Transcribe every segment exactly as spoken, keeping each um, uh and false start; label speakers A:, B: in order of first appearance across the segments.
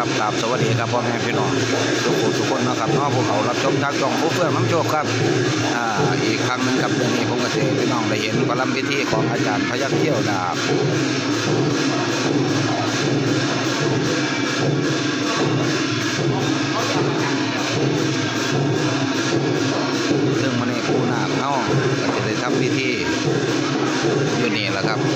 A: ครับครับสวัสดีครับพ่อแม่พี่น้องทุกคนทุกคนนะครับน้องพวกเขารับชมทางช่องผู้เพื่อนน้ำโชคครับอ่าอีกครั้งหนึ่งครับเดือนนี้ผมก็จะพี่น้องได้เห็นกลัมพิธีของอาจารย์พยัคฆ์เที่ยวดาบซึ่งมันในปูนาคเขาก็จะได้ทำพิธีอยู่นี่แหละครับ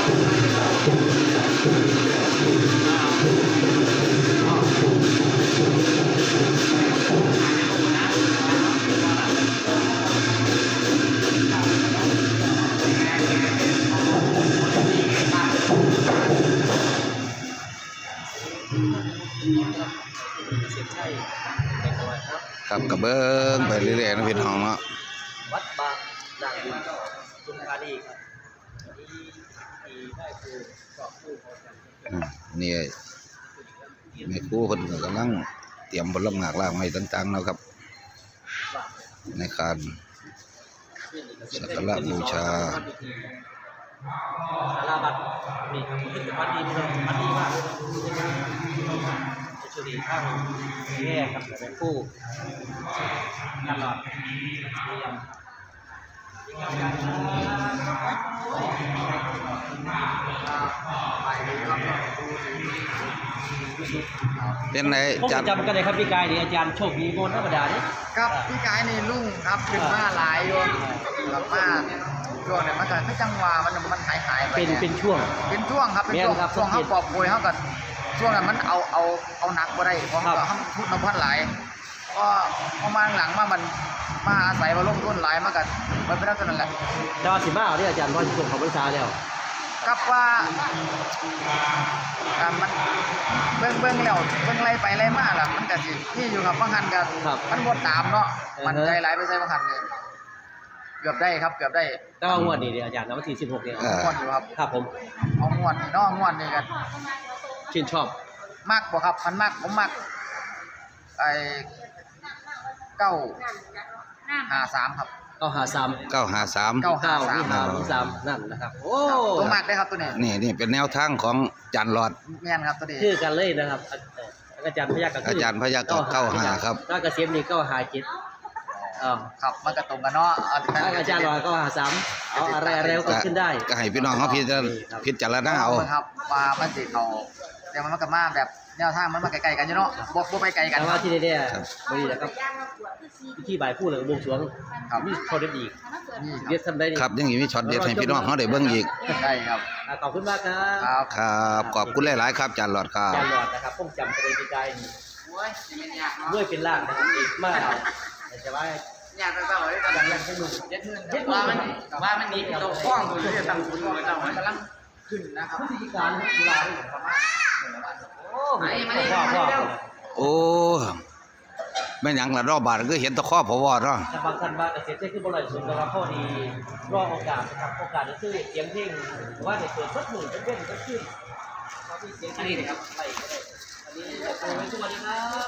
A: ครับกระเบื้องไปเรื่อยๆนะพี่น้องเนาะ
B: วัดบางนางบุญจุฬาดีครับที่ที่ได้ครูสอบครูเขาจัด
A: นี่แม่ครูคนกำลังเตรียมผลไม้ล่างไม้ต่างๆแล้วครับในการสักการะบูชา
B: สาราบัตรมีผลิตภัณฑ์ดีเลยมันดีมากจะช่วยข้างแย่ครับแม่ครูตลอด
A: เป็นไง
B: จำจำกันเลยครับพี่กายนี่อาจารย์โชคดีโมนธรรมดาเนี่ย
C: ครับพี่กายนี่ลุ่งครับขึ้นมาหลายโยนกลับมาช่วงเนี่ยมันก็คือจังหวะมันมันหายหายไป
B: เป็นเป็นช่วง
C: เป็นช่วงครับเป็นช่วงช่วงเขาปอบโวยเขาก็ช่วงนั้นมันเอาเอาเอาหนักก็ได้เพราะเขาเขาทุนน้ำพันหลายก็ประมาณหลังมามันมาอาศัยมาลงทุนหลายมากันมันเป็นเรื่องนั้นแหละ
B: ดาวสิบ้าเนี่ยอาจารย์ว่าช่วงของบริษัทแล้ว
C: กับว่ามันเบื้องเบื้องแล้วเบื้องไรไปไรมาล่ะมันก็สิที่อยู่กับบางหันกันมันบดตามเนาะมันใจไหลไปใส่บางหันเลยเกือบได้ครับเกือบได้
B: ก็งวดนี้เดี๋ยวอาจารย์นะวันที่สิบหกเนี่ย
C: งวดอยู่ครับ
B: ครับผม
C: เอางวดนี่เนาะงวดนี่กัน
B: ชื่นชอบ
C: มากบ่ครับมันมากผมมากไอ้เก้าห้าสามครับ
B: เก้าห้าสาม
A: เก้าห้าสาม
C: เก้าห้าสาม
B: สามนั่นนะครับโอ้
C: ตัวมากได้ครับตัวนี้
A: นี่นี่เป็นแนวทางของจันหลอด
C: แม่นครับตัวนี้
B: ชื่อกันเลยนะครับอาจารย์พยัคฆ์กับ
A: อาจารย์พยัคฆ์กับเก้าห้าครับ
B: ถ้าเกษมนี่เก้าห้าเจ็ดอ๋อ
C: ครับมันก็ตรงกันเนาะ
B: อาจารย์หลอดเก้าห้าสามเอาอะไรอะไรก็ขึ้นได้
A: ก็ให้พี่น้องเขาพิจารณาพิจารณาเอา
C: ครับว่ามันสิเขาแต่มันก็มาแบบแนวทางมันมาไกลๆกันอยู่เนาะบ่บ่ไปไกลกัน
B: แต่ว่าที่นี่ๆบ่ดีนะครับที่บ่ายพูดเลยบวงสรวงมีช็อตเด็ดอีกเด็ดทำได้
A: ครับยังมีช็อตเด็ดให้พี่น้องเขาได้เบิ่งอีก
C: ได้ครับ
B: ขอบคุณมากครับ
A: ครับขอบคุณหลายๆครับจันหลอดครับ
B: จันหลอดนะครับผมจำประเด็นที่ใจด้วยเป็นล่างนะครับอีกมากแต่ว่า
C: อยากไปเปล่าได้กันยังขึ้นเจ็ดหมื่นว่ามันว่ามันนี่ตัวข้องตัวที่ตั้งคุณว่าเจ้ามันกำลังขึ้นนะครับ
B: ผู้จัดการกีฬาประมาณโอ้ไม่ไม่ได้
A: โอ้แม่ยังละรอบบาทก็เห็นตะข้อพอวอดเนาะ
B: บางท่านบางเกษตรที่บริสุทธิ์นะครับข้อดีรอโอกาสนะครับโอกาสจะซื้อเสียงเพลงว่าจะเกิดสักหนึ่งเป็นเว้นสักขึ้นเขาที่เสียงอันนี้นะครับไปก็ได้อันนี้จะโปรยสวัสดีครับ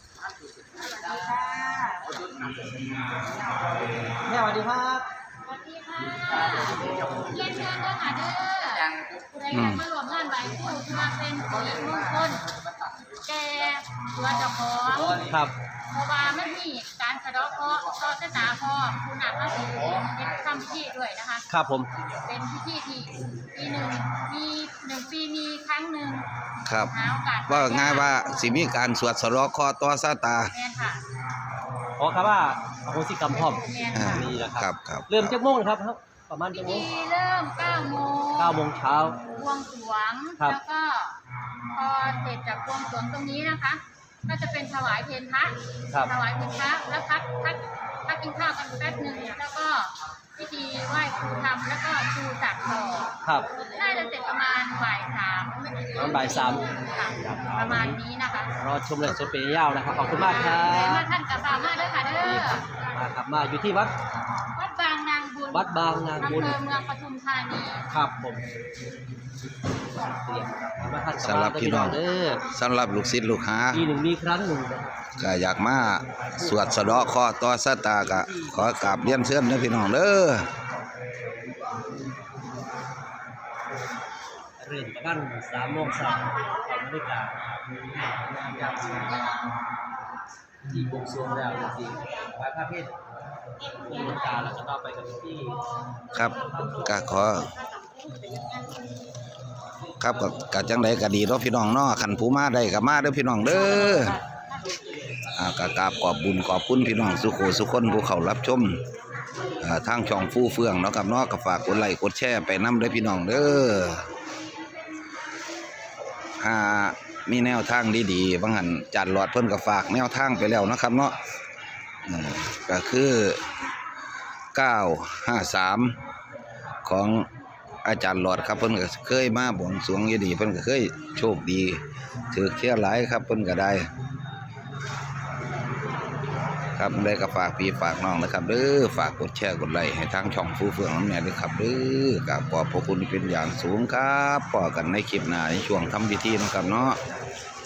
B: แม่สวัสดีครับ
D: สวัสดีค่ะเยี่ยมเชิญด้วยค่ะเด้อผู้ใดอยากมาร่วมงานไหว้ครูมาเป็นผู้หญิงมงคลแก่ตัวเจ้าของ
B: ครับ
D: เพราะว่าไม่มีการสะดอกเคราะห์ต่อชะตาพ่อคุณหนักมาถึงเป็นทำพิธีด้วยนะคะ
B: ครับผม
D: เป็นพิธีที่ปีหนึ่งมีหนึ่งปีมีครั้งหนึ่ง
A: ครับว่าง่ายว่าสิมีการสวดสะดอกเคราะห์ต่อชะตา
D: แม่นค่ะ
B: อ๋อครับว่าโหสิกรรมพร้อม
A: นี่แหละครับ
B: เริ่มจากโมงครับประมาณกี่โมง
D: เริ่มเก้าโมง
B: เก้าโมงเช้า
D: บวงสรวงแล้วก็พอเสร็จจากบวงสรวงตรงนี้นะคะก็จะเป็นถวายเพลพระถวายเพลพระแล้วพักพักพักกินข้าวกันแป๊บหนึ่งแล้วก็พิธีไหว้ครูทำแล้วก็ครูจักต่อ
B: ครับ
D: น่าจะเสร็จประมาณบ่ายสาม
B: ประมาณบ่ายสาม
D: ประมาณนี้นะคะ
B: รอชมเลยสดเป็นยาวนะครับขอบคุณมากครับ
D: มาท่านกับบ่าวมาด้วยค่ะเด้อ
B: มาครับมาอยู่ที่วัด
D: วัดบางนางบุญ
B: วัดบางนางบุญ
D: อำเภอเมืองปทุมธานี
B: ครับผม
A: สำหรับพี่น้องสำหรับลูกศิษย์ลูกหา
B: ปีหนึ่งมีครั้งหนึ่ง
A: ก็อยากมาสวดสะเดาะเคราะห์ต่อชะตาก็ขอกราบเรียนเชิญนะพี่น้องเด้อ
B: เริ่มประมาณสามโมงเช้าตอนนาฬิกาอย่างที่บวงสรวงแล้วจริงๆไหว้พระเพทมีโอกาสแล้วก็ต่อไปกับที่
A: ครับก็ขอครับก็ก็จังไดก็ดีเนาะพี่น้องเนาะคันผู้มาได้ก็มาเด้อพี่น้องเด้ออ่าก็กราบขอบบุญขอบคุณพี่น้องสุโขสุคนผู้เข้ารับชมอ่าทางช่องฟู่เฟืองเนาะครับเนาะก็ฝากกดไลค์กดแชร์ไปนำเด้อพี่น้องเด้ออ่ามีแนวทางดีๆบางหันจัดหลอดเพิ่นก็ฝากแนวทางไปแล้วนะครับเนาะอืมก็คือเก้าห้าสามของอาจารย์หลอดครับเพิ่นก็เคยมาบวงสรวงอยู่ดีเพิ่นก็เคยโชคดีถือเที่ยวหลายครับเพิ่นก็ได้ครับได้ก็ฝากพี่ฝากน้องนะครับเด้อฝากกดแชร์กดไลค์ให้ทางช่องฟู่เฟืองน้ำแหน่ด้วยครับเด้อกราบขอบพระคุณเป็นอย่างสูงครับพบกันในคลิปหน้าในช่วงทำพิธีนะครับเนาะ